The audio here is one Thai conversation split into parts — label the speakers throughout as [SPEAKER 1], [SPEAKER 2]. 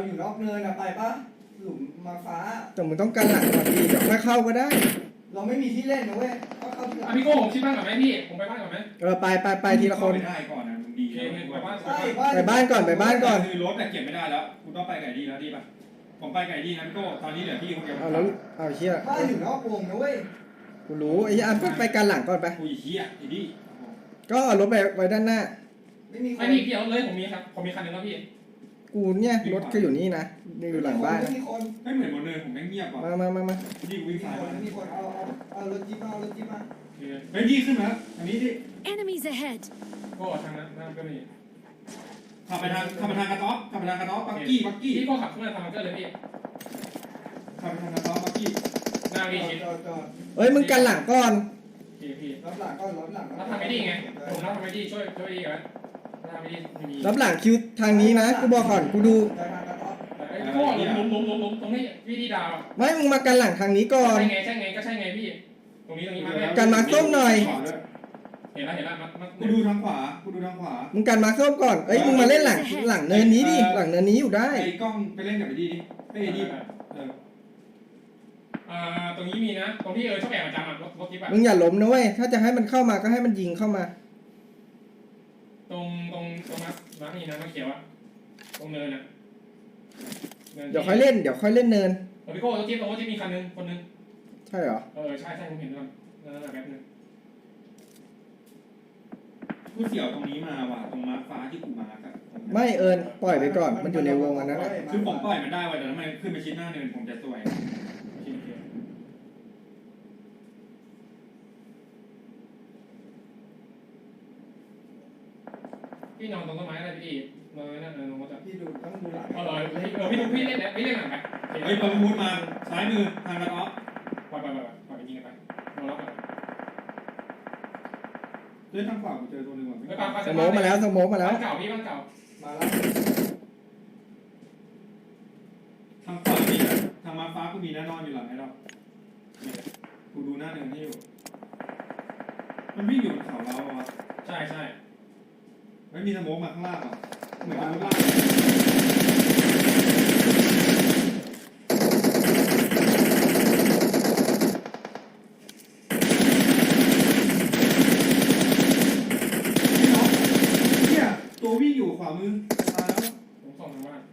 [SPEAKER 1] อยู่นอกเนินอะไปปะหลุมมาฟ้า
[SPEAKER 2] แต่มึงต้องกันหลังก่อนดีเดี๋ยวค่อยเข้าก็ได้
[SPEAKER 1] เราไม่มีที่เล่นนะเว้ยก็เข้าที่หลัง
[SPEAKER 3] พี่โก้ผมชิดบ้านก่อนไหมพี่ผมไปบ้านก่อนไหม
[SPEAKER 2] ไปทีละคน
[SPEAKER 4] ไปได้ก่อนนะมึงดี
[SPEAKER 3] ไปบ้าน
[SPEAKER 2] ไปบ้านก่อน
[SPEAKER 4] คือรถแต่เก็บไม่ได้แล้วคุณต้องไปไก่ดีแล้วดีป่ะผมไปไก่ดีนะพี่โก้ตอนนี้เหลือพี่คนเดียว
[SPEAKER 2] เอาแล้วเอาเชี่ย
[SPEAKER 1] บ้านอยู่นอกวงนะเว้ย
[SPEAKER 2] กูรู้ไอ้อันไปกันหลังก่อนไป
[SPEAKER 4] กูเหี้ยไอ้ดิ
[SPEAKER 2] ก็เอารถไปไว้ด้านหน้า
[SPEAKER 1] ไม่มี
[SPEAKER 3] พี่เอาเลยผมมีครับผมมีคันนึงแล้วพี่
[SPEAKER 2] กูเนี่ยรถก็อยู่นี่นะอยู่หลังบ้าน
[SPEAKER 1] ไม่มีคน
[SPEAKER 4] ไม่เหมือนบนเนินผมแม่งเงียบว่ะ
[SPEAKER 2] มา
[SPEAKER 4] ดีกูวิ่งสายมา
[SPEAKER 1] มีคนเอารถจิ๊บมาเอารถจิ๊บมา
[SPEAKER 4] เฮ้ยดีขึ้นมาอันนี้ดิ
[SPEAKER 5] Enemies ahead
[SPEAKER 3] ก็ทางนั้นก็มี
[SPEAKER 4] ขับไปทางกระต๊อบบักกี้
[SPEAKER 3] พี่ก็ขับขึ้นมาทางมันก็เลยพี่
[SPEAKER 4] ขับไปทางกระต๊อบบักกี้
[SPEAKER 3] หน้าพี่ชิด
[SPEAKER 2] เฮ้ยมึงกันหลังก่อน
[SPEAKER 3] พี่
[SPEAKER 1] รับหลังก็รับหลัง
[SPEAKER 3] รับทำไม่ดีไงผมรับทำไม่ดีช่วยดีกัน
[SPEAKER 2] รับหลังคิวทางนี้นะกูบอกก่อนกูดู
[SPEAKER 3] พี่โก้ล้มตรงนี้พี่ดีดาว
[SPEAKER 2] ไม่มึงมากันหลังทางนี้ก่อน
[SPEAKER 3] ใช่ไงก็ใช่ไงพี่ตรงนี้มา
[SPEAKER 2] กันมาส้มหน่อย
[SPEAKER 3] เห็นแล้ว
[SPEAKER 4] กูดูทางขวา
[SPEAKER 2] มึงกันมาส้มก่อนเอ้ยมึงมาเล่นหลังเนินนี้ดิหลังเนินนี้อยู่ได้
[SPEAKER 4] ไอ้กล้องไปเล่นกับไอ้ดีดิไอ้ดี
[SPEAKER 3] ตรงนี้มีนะตรงที่ชอบแอบประจำรถจิ๊บ
[SPEAKER 2] มึงอย่าล้มนะเว้ยถ้าจะให้มันเข้ามาก็ให้มันยิงเข้ามา
[SPEAKER 3] ตรงนักนี่นะนักเขียวอะตรงเนินอะ
[SPEAKER 2] เดี๋ยวค่อยเล่นเนิน
[SPEAKER 3] พี่โก้รถจิ๊บมีคันนึงคนนึง
[SPEAKER 2] ใช่เหรอ
[SPEAKER 3] ใช่ผมเห็นแล้วนั่นแป๊บนึง
[SPEAKER 4] กูเสี่ยวตรงนี้มาว่ะตรงมาฟ้าที่กูมาครับ
[SPEAKER 2] ไม่ปล่อยไปก่อนมันอยู่ในวงอันนั้น
[SPEAKER 4] คือผมปล่อยมันได้ว่ะแต่ทำไมขึ้นไปชิดหน้าเนินผมจะสวย
[SPEAKER 3] พี่นอนตรงต้นไม้อะไรพี่นอนนั่นนอนจะ
[SPEAKER 1] พี่ดูต้องดูหลัง
[SPEAKER 3] พี่เล่นหลังไป
[SPEAKER 4] เฮ้ยพอพูดมาซ้ายมือทางกระต๊อบ
[SPEAKER 3] ปล่อยไปยิงกันไปนอนรับกัน
[SPEAKER 4] เล่นทางขวาผมเจอตัวนึงว่ะ
[SPEAKER 2] สโมกมาแล้ว
[SPEAKER 3] บ้านเก่าพี่บ้านเก่า
[SPEAKER 1] มาแล้ว
[SPEAKER 4] ทางขวามีทางมาฟ้ากูมีแน่นอนอยู่หลังไอ้เรากูดูหน้าเนินให้อยู่มันวิ่งอยู่บนเขาเราอ่ะ
[SPEAKER 3] ใช่
[SPEAKER 4] ไม่มีสโมกมาข้างล่างอ่ะเหมือนกับล่างตัววิ่งอยู่ขวามือตายแล้ว
[SPEAKER 3] ผมส่งทางบ้าน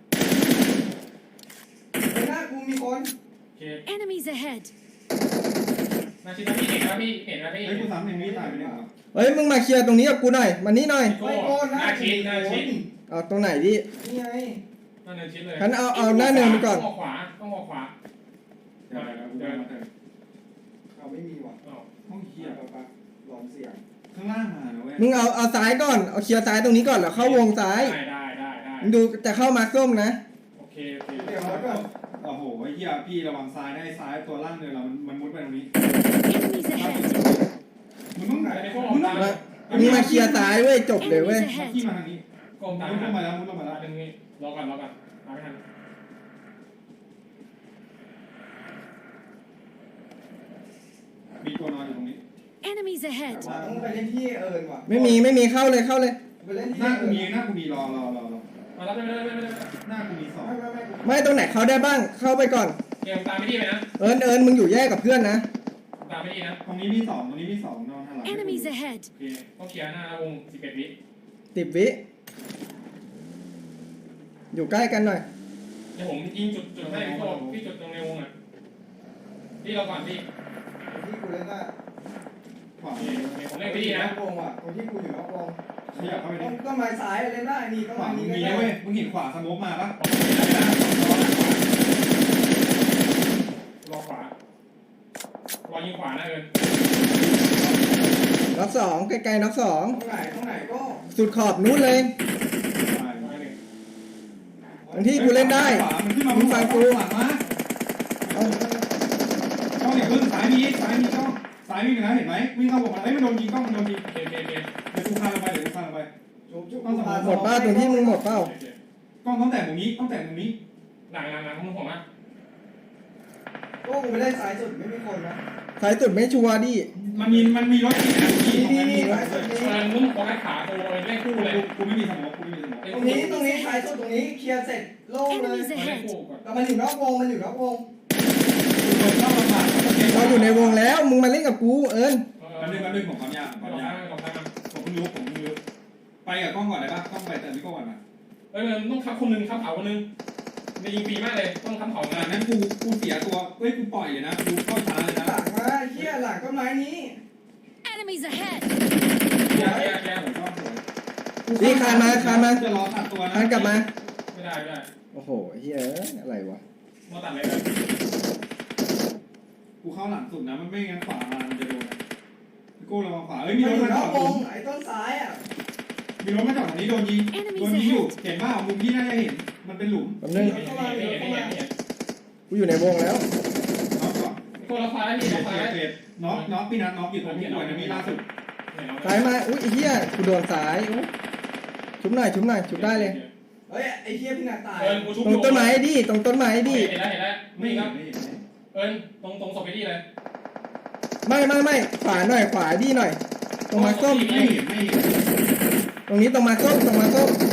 [SPEAKER 1] หน้ากูมีคน
[SPEAKER 5] Enemies ahead
[SPEAKER 3] นาชิดพี่เห็นนะพี่
[SPEAKER 4] เฮ้ยกูสามเห็นมีตายไปเนี่ย
[SPEAKER 2] เฮ้ยมึงมาเคลียร์ตรงนี้กับกูหน่อยมานี่หน่อย
[SPEAKER 3] นาชิด
[SPEAKER 2] เอาตรงไหนดิ
[SPEAKER 1] นี่ไง
[SPEAKER 3] หน้าเนินชิดเลย
[SPEAKER 2] ฉันเอาหน้าเนินไปก่อน
[SPEAKER 3] ต้องขวา
[SPEAKER 4] เดิน
[SPEAKER 1] เอาไม่มีว่ะ
[SPEAKER 4] ห้องเคียร์
[SPEAKER 1] ลองเสียง
[SPEAKER 4] ข้างล่างมาเว้ย
[SPEAKER 2] มึงเอาซ้ายก่อนเอาเคลียร์ซ้ายตรงนี้ก่อนแล้วเข้าวงซ้าย
[SPEAKER 3] ได้
[SPEAKER 2] มึงดูจะเข้ามาส้มนะ
[SPEAKER 3] โอเค
[SPEAKER 1] เดี๋ยวแล้วก็
[SPEAKER 4] โอ้โหไอ้เหี้ยพี่ระวังซ้ายได้ซ้ายตัวล่างเลยเรามันมุดไปตรงนี้มึงต้องไหนมึง
[SPEAKER 2] มาเคลียร์ซ้ายเว้ยจบเลยเว้ย
[SPEAKER 4] ที่มาทางนี้
[SPEAKER 3] กองตาม
[SPEAKER 4] มุดลงมาแล้ว
[SPEAKER 3] ตรงนี้รอกันมาไม่ทัน
[SPEAKER 4] มีตัวนอนอยู่ตรงนี้
[SPEAKER 5] Enemies ahead
[SPEAKER 1] ต้องไปเล่นที่ว่ะ
[SPEAKER 2] ไม่มีเข้าเลย
[SPEAKER 1] ไปเล่นที่
[SPEAKER 4] หน้ากูมีรอ
[SPEAKER 3] มาแล้วไม่
[SPEAKER 4] หน้ากูมีสอง
[SPEAKER 2] ไม่ตรงไหนเข้าได้บ้างเข้าไปก่อน
[SPEAKER 3] เกมตามไม่ดีไปนะ
[SPEAKER 2] มึงอยู่แยกกับเพื่อนนะ
[SPEAKER 3] ตามไม่ดีนะ
[SPEAKER 4] ตรงนี้มีสองนอนทางหลัง
[SPEAKER 5] Enemies ahead
[SPEAKER 3] โอเคต้องเคลียร์หน้าวง11 วิ
[SPEAKER 2] 10 วิอยู่ใกล้กันหน่อย
[SPEAKER 3] เดี๋ยวผมยิงจุดให้พี่จุดตรงในวงอ่ะพี่เราก่อนพี่
[SPEAKER 1] ที่กูเล่นได้
[SPEAKER 4] ขวา
[SPEAKER 3] ผมเล่นไม่ดีนะ
[SPEAKER 1] วงว่ะตรงที่กูอยู่นอกวง
[SPEAKER 4] ขยับเข้าไปดิ
[SPEAKER 1] ต้องมาซ้ายเล่นได้นี่ต้องมานี้
[SPEAKER 4] มีเว้ยมึงเห็นขวาสโมกมาปะ
[SPEAKER 3] รอขวารอยิงขวานะ
[SPEAKER 2] น็อก2ใกล้ๆน็อก2
[SPEAKER 1] ตรงไหนก็
[SPEAKER 2] สุดขอบนู้นเลยบางที่กูเล่นได้มึงฟังกู
[SPEAKER 4] ช่องอย่าพึ่งสายมีช่องสายมีนะเห็นไหมวิ่งเข้าวงมามันโดนยิงกล้องมันโดนยิงเดี๋ยวกูพาลงไป
[SPEAKER 2] หมดป้าตรงที่มึงหมดเป้าก
[SPEAKER 4] ล้องต้องแต่ตรงนี้
[SPEAKER 3] หลังมึงผมอ่ะ
[SPEAKER 1] ก็กูไม่ได้ซ้ายสุดไม่มีคนนะ
[SPEAKER 2] ซ้ายสุดไม่ชัวร์ดิ
[SPEAKER 4] มันมีรถอีกนะ
[SPEAKER 1] นี่สายสุดนี้
[SPEAKER 3] มึงโฟกัสขาตัวเล่นคู่เลย
[SPEAKER 4] กูไม่มีสมองกูไม่มีสมอง
[SPEAKER 1] ตรงนี้สายสุดตรงนี้เคลียร์เสร็จโล่งเลย
[SPEAKER 5] Enemies
[SPEAKER 3] เล่น
[SPEAKER 5] ahead.
[SPEAKER 3] คู่ก่อน
[SPEAKER 1] แต่มันอยู่นอกวงมันอยู่นอกวง
[SPEAKER 4] เข้าลำบาก
[SPEAKER 2] เราอยู่ในวงแล้วมึงมาเล่นกับกูเอิญ
[SPEAKER 4] แป๊บนึงผมความยาก
[SPEAKER 3] ลองข้างลองข้าง
[SPEAKER 4] ผมเพิ่งรู้ไปกับกล้องก่อนได้ปะกล้องไปแต่พี่กล้องก่อนมา
[SPEAKER 3] มันต้องทับคนนึงทับเขาคนนึงจะยิงฟรีมากเลยต้องทับเขา
[SPEAKER 4] งั้นกูเสียตัวกูปล่อยเลยนะกูเข้าช้าเลยนะ
[SPEAKER 1] หลังมาเฮียหลังต้นไม้นี้
[SPEAKER 5] Enemies ahead.
[SPEAKER 3] แย่
[SPEAKER 4] ผมชอบสวย
[SPEAKER 2] นี่คานมา
[SPEAKER 4] จะรอตัดตัวนะ
[SPEAKER 2] คานกลับมา
[SPEAKER 3] ไม่ได้
[SPEAKER 2] โอ้โหเฮ้ยอะไรวะ
[SPEAKER 3] มาตัดเลย
[SPEAKER 4] กูเข้าหลังสุดนะมันไม่งั้นขวามามันจะโดนพี่โก้ระวังขวา
[SPEAKER 1] มัน
[SPEAKER 4] มี
[SPEAKER 1] อ
[SPEAKER 4] รถ
[SPEAKER 1] ยู่
[SPEAKER 4] มาน จ
[SPEAKER 1] อ
[SPEAKER 4] อก ด
[SPEAKER 1] วงไอ้ต้นซ้ายอ่ะ
[SPEAKER 4] มีรถมาจอดตรงนี้โดนยิงอยู่เห็นว่ามุมที่น่าจะเห็นมันเป็นหลุม
[SPEAKER 2] แป๊บนึง
[SPEAKER 1] เข้ามาเลยเข้ามา
[SPEAKER 2] กูอยู่ในวงแล้ว
[SPEAKER 4] น็อกก่อน
[SPEAKER 3] คนละควายนี่
[SPEAKER 4] เก
[SPEAKER 3] ละควาย
[SPEAKER 4] ตน็อกพี่นัทน็อกอยู่ตรงที่หน่วยนะมีล่าสุด
[SPEAKER 2] ซ้ายมาอุ้ยไอ้เหี้ยกูโดนซ้ายอุ๊ยชุบหน่อยชุบได้เลย
[SPEAKER 1] เฮ้ยไอ้เฮียพี่นาตาย
[SPEAKER 3] กูชุบ
[SPEAKER 2] ตรงต้นไม้ดิตรงต้นไม้ดิ
[SPEAKER 3] เห็นแล้ว
[SPEAKER 4] ไม่
[SPEAKER 3] นี่
[SPEAKER 4] เห็
[SPEAKER 3] ครับ
[SPEAKER 4] นไม่เห็น
[SPEAKER 3] ตรงศพไปดีเลย
[SPEAKER 2] ไม่ขวาหน่อยขวาดิหน่อย ตรงมาส้ม
[SPEAKER 4] ไม่เห็น
[SPEAKER 2] ตรงนี้ตรงมาส้ม
[SPEAKER 3] ศพ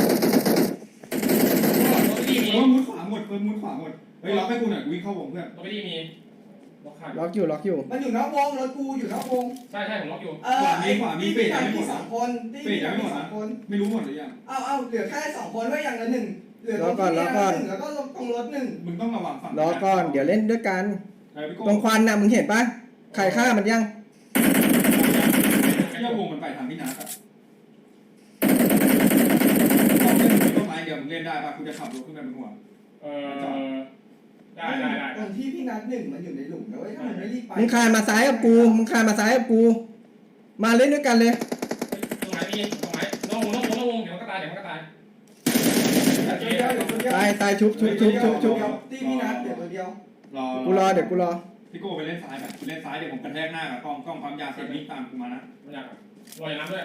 [SPEAKER 3] ไปดีมี
[SPEAKER 4] โอ้มุดขวาหมดเฮ้ยล็อกให้กูหน่อยกูวิ่งเข้าวงเพื่อน
[SPEAKER 3] ศพไปดีมีล็อกขาด
[SPEAKER 2] ล็อกอยู่
[SPEAKER 1] มันอยู่นอกวงรถกูอยู่นอกวง
[SPEAKER 3] ใช่ผมล็อกอยู่
[SPEAKER 1] ที่พี่สองคนที่พี่สองคน
[SPEAKER 4] ไม่รู้หมดหรือยัง
[SPEAKER 1] เอาเหลือแค่2คนไว้อย่างละ1เหลือตรงที่1แล้วก็ตรงรถ1
[SPEAKER 4] มึงต้องระวังฝั่ง
[SPEAKER 2] รอก่อนเดี๋ยวเล่นด้วยกัน
[SPEAKER 4] พี่โก้
[SPEAKER 2] ตรงควันน่ะมึงเห็นปะใครฆ่ามันยัง
[SPEAKER 4] เที่ยววงมันไปทางพี่นัทอะต้องเล่นต้นไม้เดียวมึงเล่นได้ป่ะกูจะขับรถขึ้นไปบนหัว
[SPEAKER 3] ได้
[SPEAKER 1] ตรงที่พี่นัด1มันอยู่ในหลุมนะเว้ยถ้ามันไม่รีบไป
[SPEAKER 2] มึงคานมาซ้ายกับกูมาเล่นด้วยกันเลย
[SPEAKER 3] ตรงไหนมีตรงไหนน้องวงเดี๋ยวมันก็ตาย
[SPEAKER 1] เดียว
[SPEAKER 2] ตายชุบ
[SPEAKER 1] ตีพี่นัดเดี๋ยวตัวเดียว
[SPEAKER 2] กูรอเดี๋ยวกูรอ
[SPEAKER 4] พี่โก้ไปเล่นซ้ายแบบเล่นซ้ายเดี๋ยวผมกระแทกหน้ากับกล้องความยาวเสร็จวิ่งตามกูมานะ
[SPEAKER 3] ไม่อยากลอยน้ำด้วย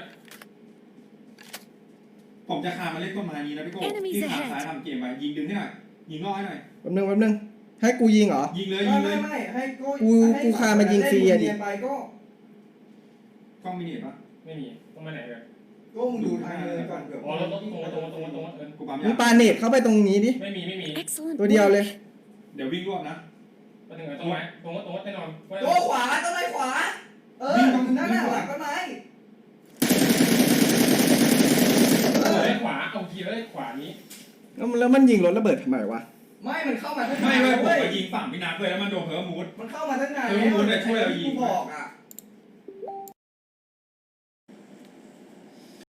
[SPEAKER 4] ผมจะคามาเล่นต้นไม้นี้นะพี่โก้ที่ขาซ้ายทำเกมไปยิงดึงให้หน่อยยิงล่อให้หน่อย
[SPEAKER 2] แป๊บนึงให้กูยิงเหรอ
[SPEAKER 4] ยิงเลย
[SPEAKER 1] ไม่ให้โก้
[SPEAKER 2] กูคามายิงฟรีอะดิ
[SPEAKER 1] ไปก็
[SPEAKER 4] กล้องมินิปะ
[SPEAKER 3] ไม่มีต้องมาไหนเลย
[SPEAKER 1] ก็มึงดูทางเดินก่อนเกือบ
[SPEAKER 3] อ๋อเราต้องตรง
[SPEAKER 4] กูปั๊ม
[SPEAKER 2] มึ
[SPEAKER 4] ยาง
[SPEAKER 2] ปาเน็ตเข้าไปตรงนี้ดิ
[SPEAKER 3] ไม่มี
[SPEAKER 5] Excellent
[SPEAKER 2] ตัวเดียว
[SPEAKER 5] work.
[SPEAKER 2] เลย
[SPEAKER 4] เดี๋ยววิ่งรวบนะ
[SPEAKER 3] ไปถึงไหนตรงไหนตรงแน่นอน
[SPEAKER 1] ตัวขวาต้นไม้ขวานั่นน่ะหลังต้นไม้
[SPEAKER 3] ขวาเอาทีเลยขวานี้
[SPEAKER 2] แล้วมันยิงรถระเบิดทำไมวะ
[SPEAKER 1] ไม่มันเข้ามาทั้ง
[SPEAKER 4] ไม่
[SPEAKER 1] นาน
[SPEAKER 4] ผม
[SPEAKER 1] เว้ย
[SPEAKER 4] ไปยิงฝั่งพี่นัทเลยแล้วมันโดนเพิร์มูด
[SPEAKER 1] มันเข้ามาทั้งนาน
[SPEAKER 4] เออมึงเนี่ยช่วยเรายิง
[SPEAKER 1] กูบอกอ่ะ